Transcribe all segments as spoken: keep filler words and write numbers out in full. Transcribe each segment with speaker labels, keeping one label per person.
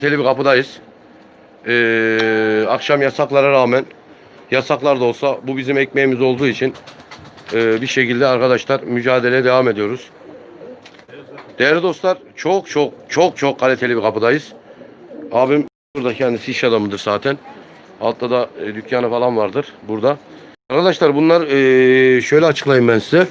Speaker 1: Teli bir kapıdayız. Ee, akşam yasaklara rağmen, yasaklar da olsa bu bizim ekmeğimiz olduğu için e, bir şekilde arkadaşlar mücadeleye devam ediyoruz. Değerli dostlar, çok çok çok çok kaliteli bir kapıdayız. Abim burada, kendisi iş adamıdır zaten. Altta da e, dükkanı falan vardır burada. Arkadaşlar bunlar e, şöyle açıklayayım ben size.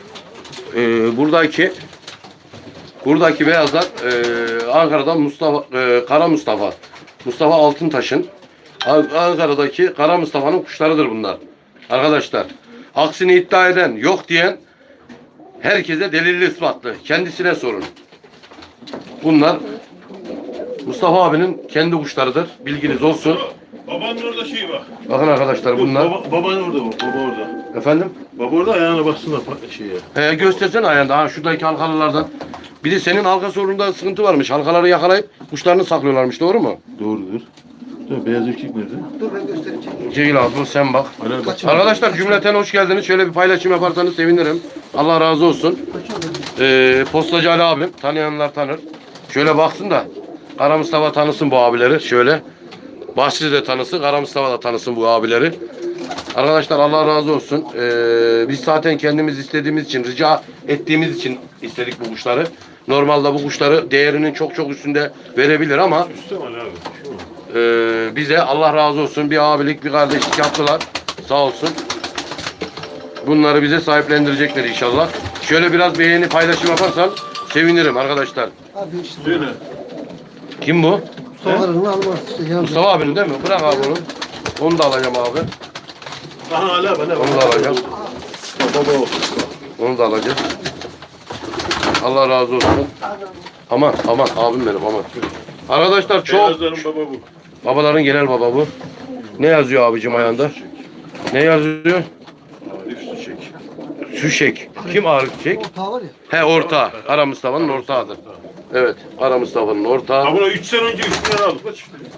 Speaker 1: E, buradaki buradaki beyazlar e, Ankara'dan Mustafa e, Kara Mustafa. Mustafa Altıntaş'ın Ankara'daki Kara Mustafa'nın kuşlarıdır bunlar. Arkadaşlar, aksini iddia eden, yok diyen herkese delilli ispatlı. Kendisine sorun. Bunlar Mustafa abinin kendi kuşlarıdır. Bilginiz olsun.
Speaker 2: Babanın orada şey var.
Speaker 1: Bakın arkadaşlar bunlar.
Speaker 2: Baba, baban orada bak. Baba orada.
Speaker 1: Efendim?
Speaker 2: Baba orada ayağına baksana şeye.
Speaker 1: He, göstersene ayağında. Ha, şuradaki halkalılardan. Bir de senin halka sorununda sıkıntı varmış. Halkaları yakalayıp kuşlarını saklıyorlarmış. Doğru mu?
Speaker 2: Doğrudur. Dur, beyaz erkek nerede?
Speaker 3: Dur ben göstereceğim.
Speaker 1: Ceyil abi sen bak.
Speaker 2: Aynen, bak.
Speaker 1: Arkadaşlar cümleten hoş geldiniz. Şöyle bir paylaşım yaparsanız sevinirim. Allah razı olsun. Ee, Postacı Ali abim. Tanıyanlar tanır. Şöyle baksın da Kara Mustafa tanısın bu abileri. Şöyle. Bahçeli de tanısın. Kara Mustafa da tanısın bu abileri. Arkadaşlar Allah razı olsun. Ee, biz zaten kendimiz istediğimiz için, rica ettiğimiz için istedik bu kuşları. Normalde bu kuşları değerinin çok çok üstünde verebilir ama
Speaker 2: Üstte var abi. Şu mu?
Speaker 1: e, bize Allah razı olsun bir abilik, bir kardeşlik yaptılar. Sağ olsun. Bunları bize sahiplendirecekler inşallah. Şöyle biraz beğeni, paylaşım yaparsan sevinirim arkadaşlar.
Speaker 3: Abi işte.
Speaker 2: Söyle.
Speaker 1: Kim bu?
Speaker 3: Soğarını almaz. Işte, yani.
Speaker 1: Mustafa abinin değil mi? Bırak abi onu. Onu da alacağım abi.
Speaker 2: Aha hala bana.
Speaker 1: Onu da alacağım.
Speaker 2: Baba o.
Speaker 1: Onu da alacağım. Allah razı olsun. Aman aman abim benim aman. Arkadaşlar çok.
Speaker 2: Beyazların baba bu.
Speaker 1: Babaların genel baba bu. Ne yazıyor abicim ayağında? Ne yazıyor?
Speaker 2: Arif Süçek.
Speaker 1: Süşek. Kim Arif Süşek?
Speaker 3: Ortağı var ya.
Speaker 1: He, ortağı. Kara Mustafa'nın ortağıdır. Evet. Kara Mustafa'nın ortağı.
Speaker 2: Ha buna üç sene önce üç milyar aldık. Kaç?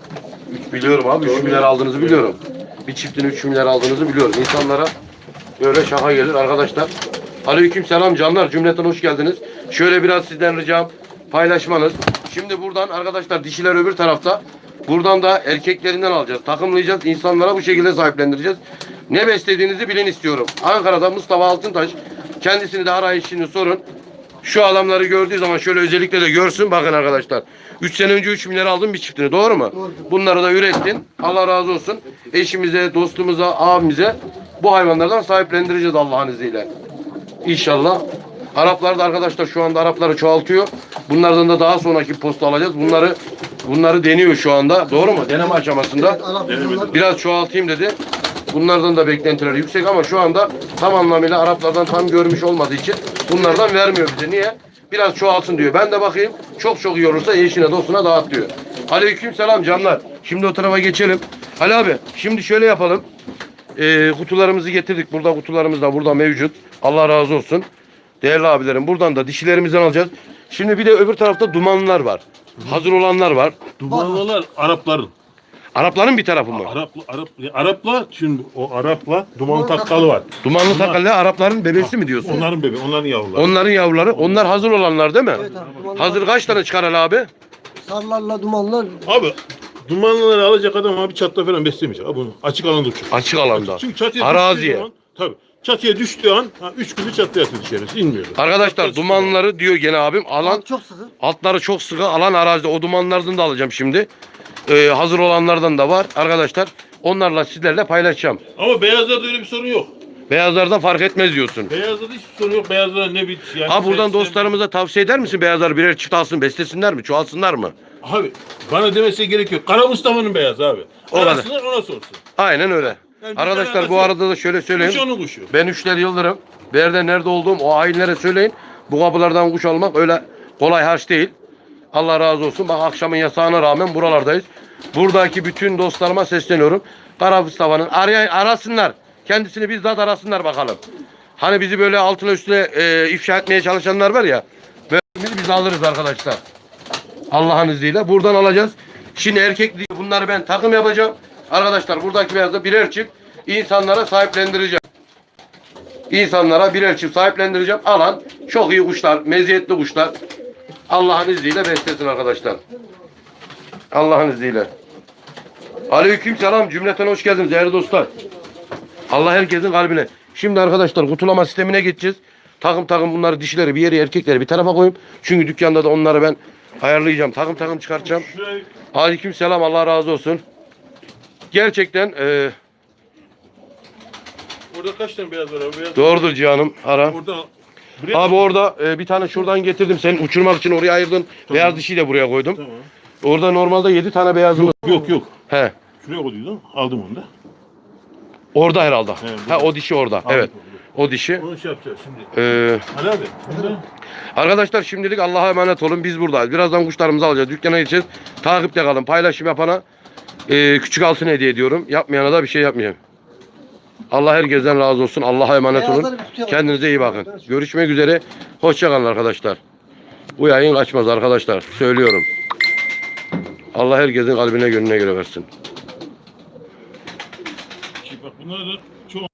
Speaker 1: üç biliyorum abi. üç milyar aldığınızı biliyorum. Bir çiftin üç milyar aldığınızı biliyorum. İnsanlara böyle şaka gelir arkadaşlar. Aleyküm selam canlar. Cümleten hoş geldiniz. Şöyle biraz sizden ricam paylaşmanız. Şimdi buradan arkadaşlar dişiler öbür tarafta. Buradan da erkeklerinden alacağız. Takımlayacağız. İnsanlara bu şekilde sahiplendireceğiz. Ne beslediğinizi bilin istiyorum. Ankara'da Mustafa Altıntaş. Kendisini de arayışını sorun. Şu adamları gördüğü zaman şöyle özellikle de görsün. Bakın arkadaşlar. üç sene önce üç milyar aldın bir çiftini. Doğru mu?
Speaker 3: Doğru.
Speaker 1: Bunları da ürettin. Allah razı olsun. Eşimize, dostumuza, abimize bu hayvanlardan sahiplendireceğiz Allah'ın izniyle. İnşallah. Araplar da arkadaşlar şu anda Arapları çoğaltıyor. Bunlardan da daha sonraki posta alacağız. Bunları bunları deniyor şu anda. Doğru mu? Deneme aşamasında.
Speaker 3: Evet, Arap bunlar.
Speaker 1: Biraz çoğaltayım dedi. Bunlardan da beklentileri yüksek ama şu anda tam anlamıyla Araplardan tam görmüş olmadığı için bunlardan vermiyor bize. Niye? Biraz çoğalsın diyor. Ben de bakayım. Çok çok iyi olursa eşine dostuna dağıt diyor. Aleyküm selam canlar. Şimdi o tarafa geçelim. Ali abi şimdi şöyle yapalım. Ee, kutularımızı getirdik. Burada kutularımız da burada mevcut. Allah razı olsun. Değerli abilerim buradan da dişilerimizden alacağız. Şimdi bir de öbür tarafta dumanlar var. Hazır olanlar var.
Speaker 2: Dumanlılar Arapların.
Speaker 1: Arapların bir tarafı mı?
Speaker 2: Arap, Arap, Arapla şimdi o Arapla duman takkalı var.
Speaker 1: Dumanlı
Speaker 2: Bunlar-
Speaker 1: takallı Arapların bebesi mi diyorsun?
Speaker 2: Onların bebeği, onların yavruları.
Speaker 1: Onların yavruları. Onlar hazır olanlar değil mi?
Speaker 3: Evet abi. Dumanlar.
Speaker 1: Hazır kaç tane çıkar Ali abi?
Speaker 3: Sarlarla dumanlar.
Speaker 2: Abi dumanlıları alacak adam abi çatta falan beslemeyecek. Abi bunu açık alanda uçur.
Speaker 1: Açık alanda.
Speaker 2: Çünkü çatıya
Speaker 1: Araziye.
Speaker 2: düştüğü zaman tabii çatıya düştüğü an ha, üç günü çatıya yatıyor dışarısı inmiyor.
Speaker 1: Arkadaşlar dumanları diyor gene abim. Alan
Speaker 3: Alt çok sıkı.
Speaker 1: altları çok sıkı alan arazide. O dumanlardan da alacağım şimdi. Ee, hazır olanlardan da var arkadaşlar. Onlarla sizlerle paylaşacağım.
Speaker 2: Ama beyazlarda öyle bir sorun yok.
Speaker 1: Beyazlarda fark etmez diyorsun.
Speaker 2: Beyazlarda hiçbir sorun yok. Beyazlara ne bir yani.
Speaker 1: Ha buradan
Speaker 2: ses-
Speaker 1: dostlarımıza tavsiye eder misin beyazlar birer çift alsın beslesinler mi çoğalsınlar mı?
Speaker 2: Abi bana demesi gerek yok. Kara Mustafa'nın beyazı abi.
Speaker 1: O kadar.
Speaker 2: Arasınlar ona sorsun.
Speaker 1: Aynen öyle.
Speaker 2: Yani bir
Speaker 1: Arkadaşlar
Speaker 2: alakası
Speaker 1: bu
Speaker 2: yok.
Speaker 1: arada da şöyle söyleyeyim.
Speaker 2: Kuş onun kuşu.
Speaker 1: Ben Üçler Yıldırım. Nerede nerede olduğum o hainlere söyleyin. Bu kapılardan kuş almak öyle kolay harç değil. Allah razı olsun. Bak akşamın yasağına rağmen buralardayız. Buradaki bütün dostlarıma sesleniyorum. Kara Mustafa'nın arayan arasınlar. Kendisini bizzat arasınlar bakalım. Hani bizi böyle altına üstüne e, ifşa etmeye çalışanlar var ya. Böyle biz alırız arkadaşlar. Allah'ın izniyle. Buradan alacağız. Şimdi erkek diye bunları ben takım yapacağım. Arkadaşlar buradaki beyazda birer çift insanlara sahiplendireceğim. İnsanlara birer çift sahiplendireceğim. Alan çok iyi kuşlar, meziyetli kuşlar. Allah'ın izniyle beslesin arkadaşlar. Allah'ın izniyle. Aleyküm selam cümleten hoş geldiniz değerli dostlar. Allah herkesin kalbine. Şimdi arkadaşlar kutulama sistemine geçeceğiz. Takım takım bunları dişileri bir yere erkekleri bir tarafa koyayım. Çünkü dükkanda da onları ben ayarlayacağım. Takım takım çıkartacağım.
Speaker 2: Şuraya
Speaker 1: Aleyküm selam Allah razı olsun. Gerçekten e,
Speaker 2: orada kaç tane beyaz var abi? Beyaz
Speaker 1: doğrudur Cihan'ım ara.
Speaker 2: Orada buraya
Speaker 1: Abi orada e, bir tane şuradan getirdim. Sen uçurmak için oraya ayırdın. Beyaz dişiyi de buraya koydum.
Speaker 2: Tamam.
Speaker 1: Orada normalde yedi tane beyazımız.
Speaker 2: Yok yok yok.
Speaker 1: He.
Speaker 2: Şuraya koyduydum. Aldım onu da.
Speaker 1: Orada herhalde.
Speaker 2: He,
Speaker 1: Ha o dişi orada.
Speaker 2: Aldım
Speaker 1: Evet.
Speaker 2: onu.
Speaker 1: O dişi.
Speaker 2: Onu şey yapacağız şimdi.
Speaker 1: Ee,
Speaker 2: Ali abi. Burada.
Speaker 1: arkadaşlar şimdilik Allah'a emanet olun. Biz buradayız. Birazdan kuşlarımızı alacağız. Dükkana gideceğiz. Takipte kalın. Paylaşım yapana e, küçük altın hediye ediyorum. Yapmayana da bir şey yapmayacağım. Allah herkesten razı olsun. Allah'a emanet olun.
Speaker 3: Beyazları bir tutuyor.
Speaker 1: Kendinize iyi bakın. Görüşmek üzere. Hoşça kalın arkadaşlar. Bu yayın kaçmaz arkadaşlar. Söylüyorum. Allah herkesin kalbine gönlüne göre versin.
Speaker 2: Bak bunlar da çok